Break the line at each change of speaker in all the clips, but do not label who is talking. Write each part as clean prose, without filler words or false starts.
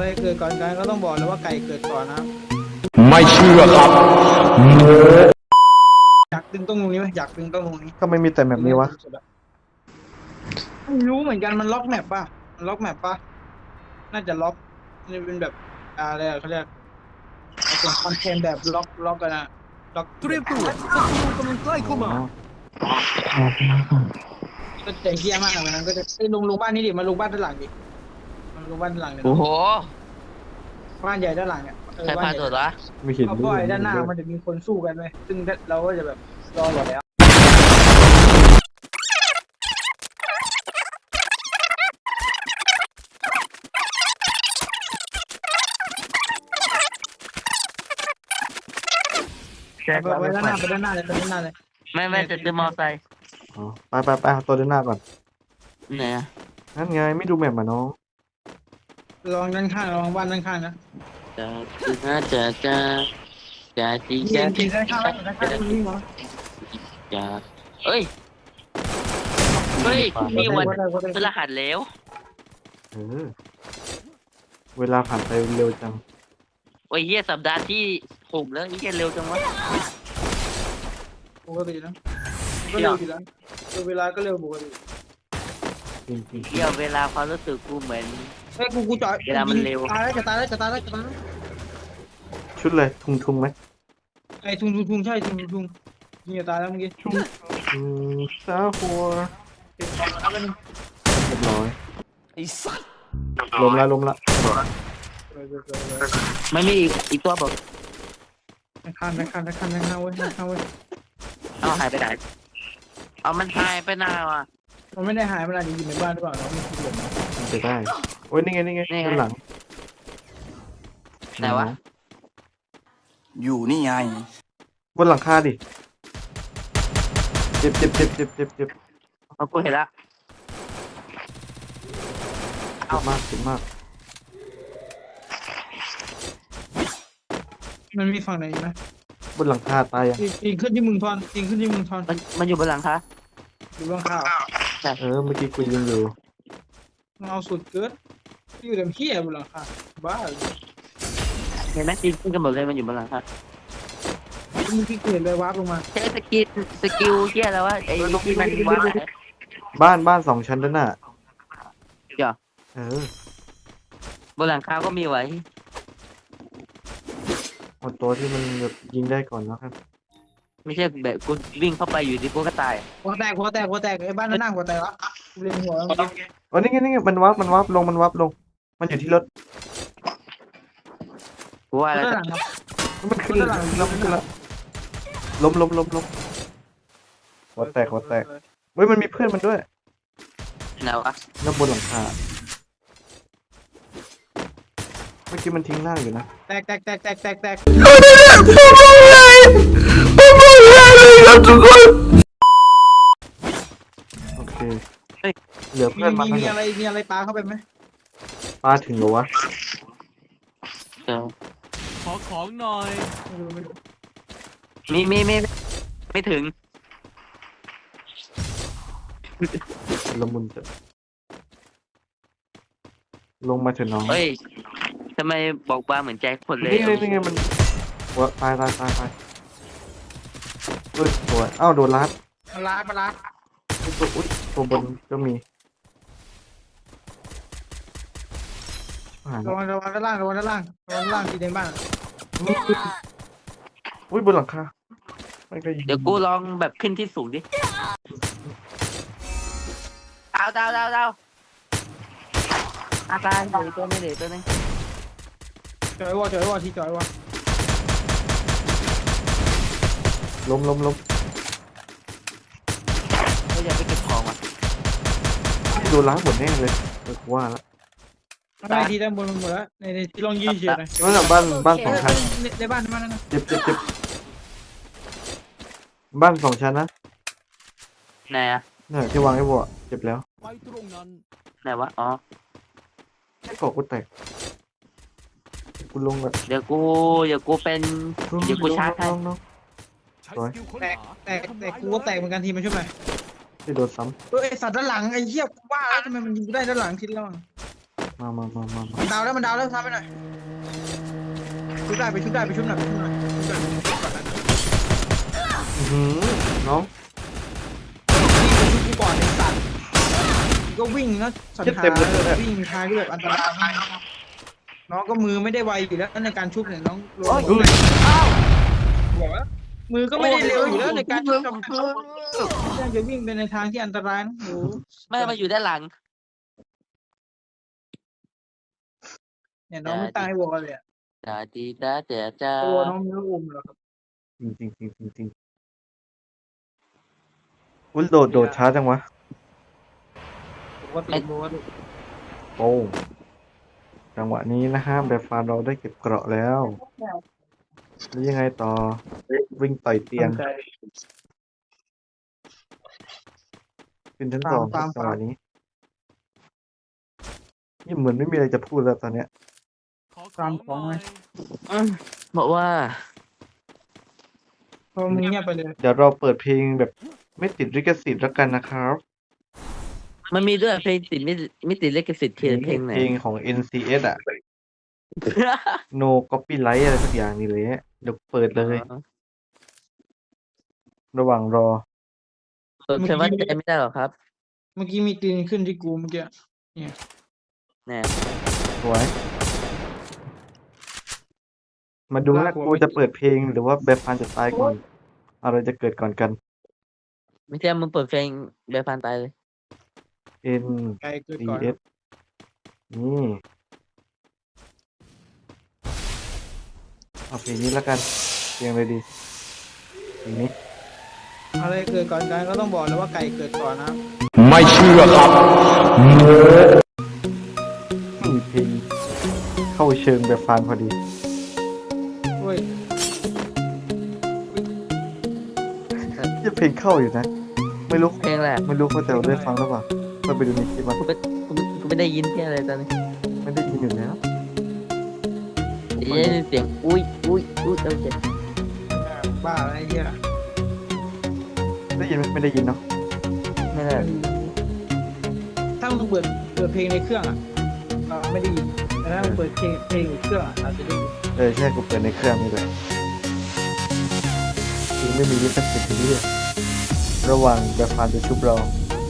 อะไรเกิดก่อนกันก็ต้องบอกเลยว่าไก่เกิดก่อนนะ
ไม่เชื่อครับ
อยากดึงตรงนี้ไหมอยากดึงตรงนี้
ก็ไม่มีแต่แบบนี้วะ
ไม่รู้เหมือนกันมันล็อกแมปป่ะมันล็อกแมปป่ะน่าจะล็อกนี่เป็นแบบอะไรเขาเรียกเป็นคอนเทนต์แบบล็อกกันนะล็อก
เตรียมตัวศัตรูกำลังใกล้เข้ามา
ก็ใจเหี้ยมากเลยนั้นก็จะลงบ้านนี้ดิมาลงบ้านด้านหลังดิมาลงบ้านด้านหลังเนี่ย
โอ้โห
บ้านใหญ่ด้านหลังเนี่ย
ใครพาตัววะ
ไม่เห็น
เพราะว่าด้านหน้ามันจะมีคนสู้กันไหมซึ่งเราก็จะแบบรออยู่แล้วไปด้านหน้าเลย
ไม่จะซื้อมอไซค์
อ๋อไปเอาตัวด้านหน้าก่อน
ไหนอะ
นั่นไงไม่ดูแมปมาน้อง
ลองด้านข้างลองบ้านด้านข้างนะ
จะจี
ยิงด้านข้างตรงนี้เหรอ
จะเฮ้ยนี่วันพฤหัสแล้ว
เออเวลาผ่านไปเร็วจัง
โอ้ยเฮียสัปดาห์ที่6แล้วนี่แกเร็วจังวะ
ปกตินะก็เร็วอยู่แล้วเวลาก็เร็วปกติ
จริง
เที่ยวเวลาความรู้สึกกูเหมือน
เฮ้ยกูจอดตายแล้วจะตายแล้ว
ๆชุดเลยทุงไหม
ไอ้ทุงใช่ทุงยิงจะตายแล้วเมื่อกี้
ซาหัวเรียบร้อย
ไอ้สัตว์
ล้มละ
ไม่มีอีกตัวบอก
ข้างเว้ย
เอาหายไปไหนเอามันหายไปนานว่ะ
มันไม่ได้หายมันอาจจะอยู่ในบ้านหรือเปล่าเราไม่รู้
มันจะได้โอ้ยนี่ไงด้านหลัง
ไหนวะ
อยู่นี่ไง
บนหลังคาดิเจ็บ
เอากูเห็นละ
เจ็บมาก
มันมีฝั่งไหนไหม
บนหลังคาตายอ่ะ
ยิงขึ้นที่มึงทอน
มันอยู่บนหลังคะ
อยู่บ้างข้าว
เมื่อกี้กูยิงอยู่
มึงเอาสุดเกินอยู่แต่เหี้ยบนหลังคาบ้า
เห็นไหมทีมขึ้นกันหมดเลยมันอยู่บนหลังคะ
มึงที่เห็นเลยวาร์ปลงมา
ใช้สกิลเฮียแล้วว่าไอ้ที่มันวาด
บ้าน2 ชั้นด้านหน้า
เดี๋ยวบนหลังคาก็มีไว้
เอาตัวที่มันยิงได้ก่อนแล้วครับ
ไม่ใช่แบบกูวิ่งเข้าไปอยู่ดีกูก็ตาย
หัวแตกไอ้บ้านนั่งหัวแตกละเรียงหัว
อ๋อนี่ไงมันวับลงมันอยู่ที่รถ
กูว่าแล้ว
ด้านหลัง
มันขึ้นแล้วล้มหัวแตกเฮ้ยมันมีเพื่อนมันด้วย
ไหนวะ
แล้วบนหลังคาเมื่อกี้มันทิ้งร่างอยู่นะ
แตก
โอเคเหลือเพื่อนมา
มีอะไรปลาเข้าไปไหม
ปลาถึงเหรอวะ
ขอของหน่อย
มีไม่ถึง
ละมุนจะลงมาเถอะน้อง
เฮ้ยทำไมบอกบาเหมือนใจคนเลย
นี่ไงมันหัวตายเฮ้ยสวยอ้าวโดนลัด
ปลา
ตัวบนก็มี
ระวังด้านล่างที่ในบ้าน
อุ้ยบนหลังคาไม่ก็ยิง
เดี๋ยวกูลองแบบขึ้นที่สูงดิดาวอาการเหลือตัวนึง
จอยวอที่จอยวอ
ล้ม
ก็อย่าไปเก็บของอ่ะ
โดนล้างหมดแน่เลยว่าแล้ว
ได้ที่ด้านบนหมดแล้วในที่ลองยืดเฉยเลย
นั่นแหละบ้าน2 ชั้น
ในบ้านนั่นนะ
เจ็บบ้าน2 ชั้นนะ
ไหนอ่ะ
เนี่ยที่วางไอ้บัวเจ็บแล้ว
ไปตรงนั้น
ไหนวะอ๋อ
ไอ้เกาะกูแตกกูลงแบบ
เดี๋ยวกูเป็นเดี๋ยวกูชาร์จให้
น้อง
ใช้สกิลค้นหา
แต่กูก็แตกเหมือนกันทีมันช่วยไหม
ที่โดนซ้
ไอสัตว์ด้านหลังไอ้เหี้ยว่าแล้วทำไมมันยิงได้ด้านหลังทีละ
ำมา
มันดาวแล้วทำไปหน่อยชุบได้ไปชุบหน่อยชุบหน่อยชุบก่อนนะ
น้อง
ชุบกูก่อนไอ้สัตว์ก็วิ่งนะสันหาวิ่งทางที่แบบอันตรายน้องก็มือไม่ได้ไวอยู่แล้วในการชุบเนี่ยน้องลงบอกว่ามือก็ไม่ได้เร็วอยู่แล้วในการชุบจะวิ่งไปในทางที่อันตรายนะโอ้
ไม่มาอยู่ด้านหลัง
เนี่ยน้องไม่ตายวอลเลยอ่ะ
ตาดีตาแต่จ้า
ตัวน้องไม่รู้อมหรอกครับ
จริงอุ้ยโดดช้าจังวะ
ผมก็ติดรู้ว่า
โป้งจังหวะนี้นะฮะแบบฟานเราได้เก็บเกราะแล้วแล้วยังไงต่อวิ่งต่อยเตียงขึ้นชั้นสองครับจังหวะนี้นี่เหมือนไม่มีอะไรจะพูดแล้วตอนเนี้ย
ขอของหน่อย
บอกว่า
พอมึงเงียบไปเลย
เดี๋ยวเราเปิดเพลงแบบไม่ติดลิขสิทธิ์แล้วกันนะครับ
มันมีด้วยเพลงติดไม่ติดลิขสิทธิ์เพลงไหน
เพลงของ NCS อ่ะ No Copyright อะไรสักอย่างนี่เลยเดี๋ยวเปิดเลย ระหว่างรอ
เปิดเพลงว่าใจไม่ได้หรอครับ
เมื่อกี้มีกรีนขึ้นที่กูเมื่อกี้
แน่
สวย มาดูนะกูจะเปิดเพลงหรือว่าแบบฟานจะตายก่อน อะไรจะเกิดก่อนกัน
ไม่ใช่มึงเปิดเพลงเบลฟันตายเลย
N
ไกลเกินก่อน
C S นี่เอาเพลงนี้แล้วกันเพลงอะไรดีเพลงนี้
อะไรเกิดก่อนกันก็ต้องบอกเลยว่าไก่เกิดก่อนนะ
ไม่เชื่อครับ
เพลงเข้าเชิงแบบฟานพอดี
เว้ย
จะเพลงเข้าอยู่นะ ไม่รู้
เพลงแหละ
ไม่รู้เขาจะได้ฟังหรือเปล่าก็ไปดูในคลิปมัน
กูไม่ได้ยินแค่อะไรตอนนี้
ไม่ได้ยินอยู่แล้ว
ได้ยินเสียงอุ้ยโอเค
บ้าอะไรเงี้ย
ได้ยินไหมไม่ได้ยินเนาะ
ไม่ได้
ถ้ามึงเปิดเพลงในเครื่องอ่ะไม่ได้ยินแต่ถ้ามึงเปิดเพลงในเครื่องอาจจะได้ยิน
ใช่กูเปิดในเครื่องนี่แหละจริงไม่มีลิขสิทธิ์ที่นี่ระหว่างแบบฟานจะชุบเรา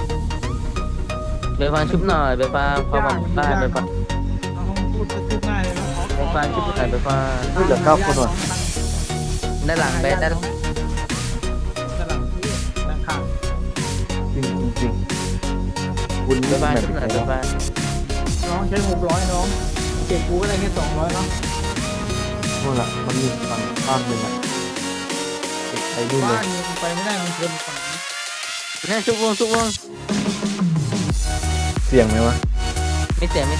เบลฟันชุบหน่อยเบลฟันความหวังบ้านเบลฟัน
เอาพูดพูดง่ายเลยนะ
เบลฟันชุบหน่อยเบลฟัน
เฮ้ยเหลือ9 คนว่ะ
ด้านหลังเบลด้าน
ด้านหลังที่ด้านข้าง
จริงคุณ
เบ
เล่
ล
น
ฟัน
แบบ
ชุบหน่อย
ไหน
เบลฟัน
น้องใช้600น้องเก็บกูก็ได้แค่200เนาะ
นู่นแหละมันมีฝั่งภาคหนึ่งอ่ะไปนู่นเล
บ้าย นมึงไปไม่ได้มึงเพิ่มฝั่งนี้
นั่นชุบวง
เสียงไหมวะ
ไม่เสียงวง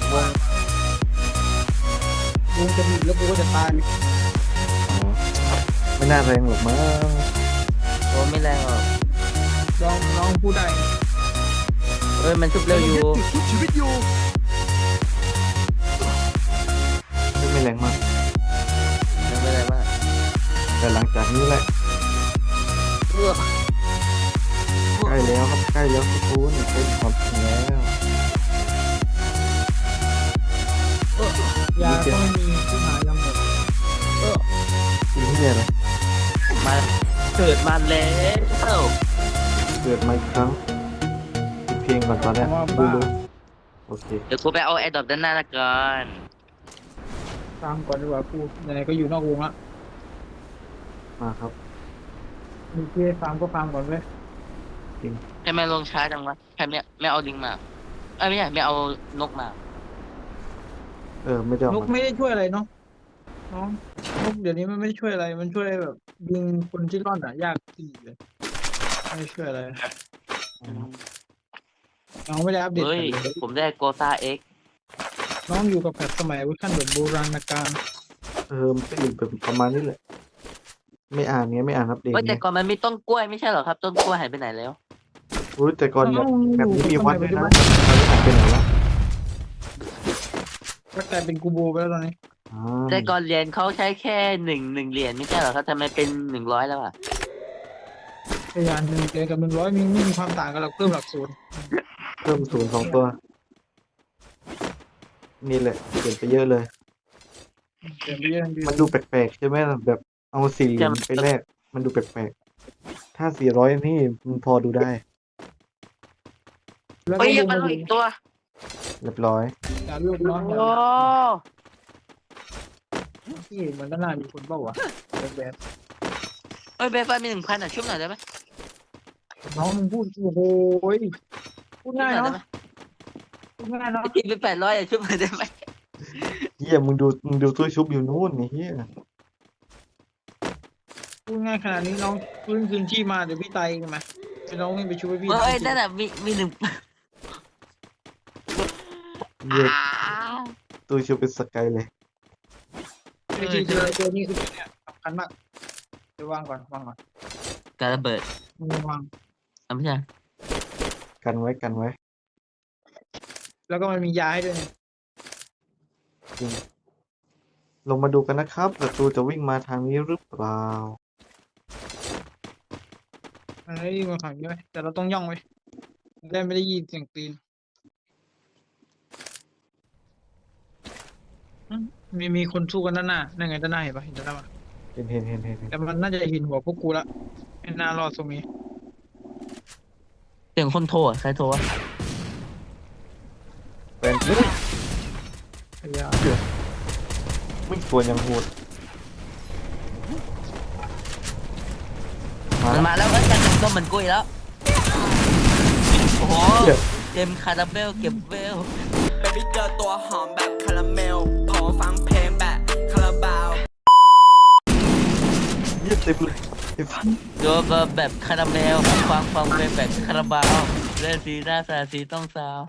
วงจะหนีแล้วกูก็จะตาย
อ๋อไม่น่าแรงหรอกมั้ง
โอ้ไม่แรงหรอก
น้องพูดได้
เอ้ยมันชุบเร็วอยู่
ชุบชีวิตอยู่
ไม่แรงมาก
ไม่แรงมาก
แต่หลังจากนี้แหละใกล้แล้วครับใกล้แล้วทุกคนเป็นความจริงแล้ว
ยาก็ไม่มีผู้หายลำหมด
สิ่งที่เนี่ยเลย
มาเกิดมาแล้ว
เกิดมาอีกครั้งปิดเพลงก่อนตอนเนี้ยดูโอเค
เดี๋ยวกูไปเอาไอ้ดอกด้านหน้าละก่อน
ตามก่อนดีกว่ากูไหนๆก็อยู่นอกวงละ
มาครับ
มีเพื่อฟาร์มก็ฟาร์มก่อนเว้ย
ใครไม่ลงช้าจังวะใครไม่เอาลิงมาไม่ใช่ไม่เอานกมา
ไม่ได้เอา
นก
มา
ไม่ได้ช่วยอะไรเนาะน้องนกเดี๋ยวนี้มันไม่ได้ช่วยอะไร มันช่วยแบบยิงคนที่ร่อนอ่ะยากขึ้นอีกเลยไม่ได้ช่วยอะไรน้องไม่ได้อัปเดต
เฮ้ย
เลย
ผมได้โกตาเอ็ก
น้องอยู่กับแบบสมัยเวอร์ชันแบบโบราณกาล
มันก็อยู่แบบประมาณนี้แหละไม่อ่านเนี้ยไม่อ่านอัปเดต
เฮ้ยแต่
เนี้ย
ก่อนมันมีต้นกล้วยไม่ใช่เหรอครับ ต้นกล้วยหายไปไหนแล้ว
อุ้ยแต่ก่อนแบบนี้มีวัดด้วยนะหายไปไหนละ
ก็กลายเป็นกูโบไปแล้วตอนนี้
แต่ก่อนเหรียญเขาใช้แค่หนึ่งเหรียญไม่ใช่เหรอครับทำไมเป็น100แล้วอ่ะ
พยาน1 เกินกับ100ไม่มีความต่างกันหรอกเพิ่มหลักศูนย์
เพิ่ม0 2 ตัวนี่แหละเปลี่ยนไปเยอะเลย
เดี๋ยวพี่ยังดี
มันดูแปลกๆใช่ไหมล่ะแบบเอา4 เหรียญไปแลกมันดูแปลกๆถ้า400นี่มันพอดูได้
แล้วก็
เฮ้ย
ดู
มัน
มา
ลงอีกตัว
เรียบร้อย
การลูกน้อง
โอ้
ที่มันก็น่ามีคนเปล่าวะแบบ
เฮ้ยเบฟไฟมี1,000อ่ะชุบหน่อยได้ไหม
น้องมึงพูดโอ้โหพูด
ชุบหน่
ง่าย
อยได้
เนาะ
ไหม
พูดง่ายเนาะ
ตีไป800อ่ะชุบหน่อยได้ไหม
เฮียมึงดูตู้ชุบอยู่นู่นนี่เฮีย
พูดง่ายขนาดนี้น้องฟื้นคืนที่มาเดี๋ยวพี่ตายเองไหมไปน้องวิ่งไปช่วยพี่
เฮ้ยนั่นน่ะมี1
เฮียตู้ชุบเป็นสกายเลย
วิธีเจอนี่คือเนี่ยสำคัญมากเดี๋ยววางก่อน
การระเบิด
มึงวาง
อ่ะไม่ใช่
กันไว้
แล้วก็มันมียาให้ด้วยเนี่ย
ลงมาดูกันนะครับศัตรูจะวิ่งมาทางนี้หรือเปล่า
มันไม่ได้ยินมาขังด้วยแต่เราต้องย่องไว้ได้ไม่ได้ยินเสียงตีนมีคนสู้กันด้านหน้านั่นไงด้านหน้าเห็นปะเห็นด้านหน้าปะ
เห็น
แต่มันน่าจะเห็นหัวพวกกูละไม่น่ารอดตรงนี้
เสียงคนโทรอ่ะใครโทรอ่ะ
แฟน
พยายาม
วิ่งสวนยังโหดมา
มันมาแล้วเอ้ยการแต่งตัวเหมือนกุ้ยแล้วโอ้โห
เหี้ย
เต็มคาราเบลเก็บเวล
เบบี้เจอตัวหอมแบบคาราเมล ขอฟังเพลงแบบคาราบาว
เหี้ยเต็มเลยไอ้ฟัน
โดนแบบคาราเมลฟังเป็นแบบคาราบาวเล่นสีหน้าสาสีต้องสาว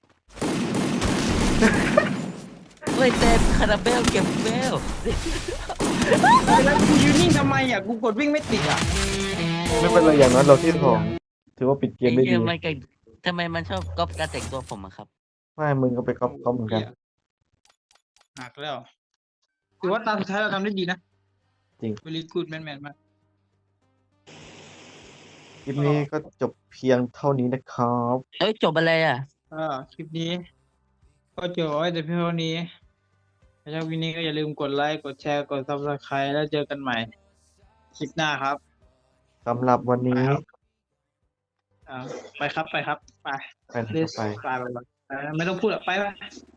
เฮ้ยเต็มคาราเบลเก็บเวล
แล้วกูยืนนิ่งทำไมอ่ะกูกดวิ่งไม่ติดอ่ะ
ไม่เป็นไรอย่างน้อยเราที่สองถือว่าปิดเกม
ไอ้
ได้
เหี้
ดี
ยมันก็ทำไมมันชอบก๊อปการแต่งตัวผมอะครับ
ไม่มึงก็ไปก๊อปเหมือนกัน
หนักแล้วถือว่าตาสุดท้ายเราทำได้ดีนะ
จริง
เวลีกูดแมนมาก
คลิปนี้ก็จบเพียงเท่านี้นะครับ
เอ้ยจบอะไรอ่ะ
คลิปนี้ ก็จบไว้แต่เพียงเท่านี้ถ้าชอบคลิปนี้ก็อย่าลืมกดไลค์กดแชร์กด Subscribe แล้วเจอกันใหม่คลิปหน้าครับ
สำหรับวันนี้
ไปครับไป
ไปนะครับไป
ไม่ต้องพูดอ่ะไป